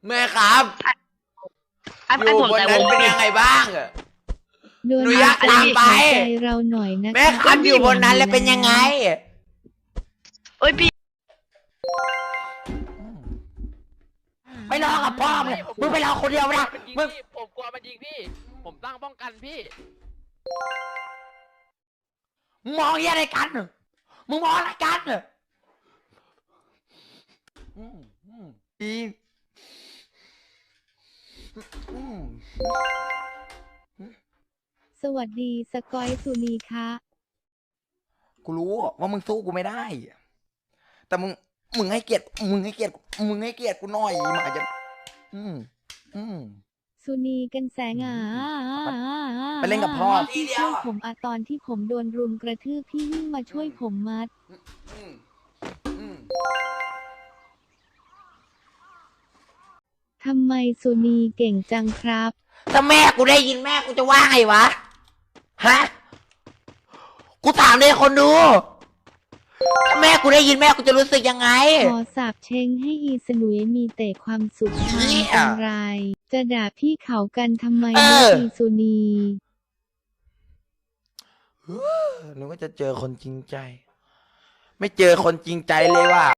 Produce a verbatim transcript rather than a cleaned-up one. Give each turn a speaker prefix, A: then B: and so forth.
A: แม่ครับ
B: ให้
A: อ
B: ให้
A: ยู่
B: ผม
A: บน
B: แต่ว
A: นั้น
B: ง
A: เป็นยังไงบ้างอะ
C: โดน
A: หนูอยาก
C: ใจ
A: ตามไป
C: ใจเราหน่อยนะ
A: แม่ครับอยู่บนนั้นแล้วเป็นยังไง
B: เอ้ยพี่
A: ไปรอกับพ่อมึงมึงไปรอคนเดียวนะ
D: มันยิง
A: มึง
D: พี่ผมกลัวมันยิงพี่ ผมตั้งป้องกันพี่
A: มึงมองเหี้ยอะไรกันมึงมองอะไรกันอืมอืมอีอืม
C: สวัสดีสกอยสุนีคะ
A: กูรู้ว่ามึงสู้กูไม่ได้ แต่มึง มึงให้เกียรติ มึงให้เกียรติ มึงให้เกียรติกูหน่อยหมาจะอืม อืม
C: สุนีกันแสงอ่ะ
A: ไปเล่นกับพ่อ
C: พี่ช่วยผมอะตอนที่ผมโดนรุมกระทืบพี่วิ่งมาช่วยผมมัด
A: อืม อืม
C: ทำไมสุนีเก่งจังครับ
A: ถ้าแม่กูได้ยินแม่กูจะว่าไงวะ ฮะ กูถามเลยคนดู ถ้าแม่กูได้ยินแม่กูจะรู้สึกยังไง
C: ขอสาบเช้งให้อีสนุยมีแต่ความสุขทาง
A: เนี่ย
C: กำไร จะด่าพี่เขากันทำไม
A: เอ
C: นะ
A: อ
C: อีสุนี
A: นึกว่าจะเจอคนจริงใจ ไม่เจอคนจริงใจเลยว่ะ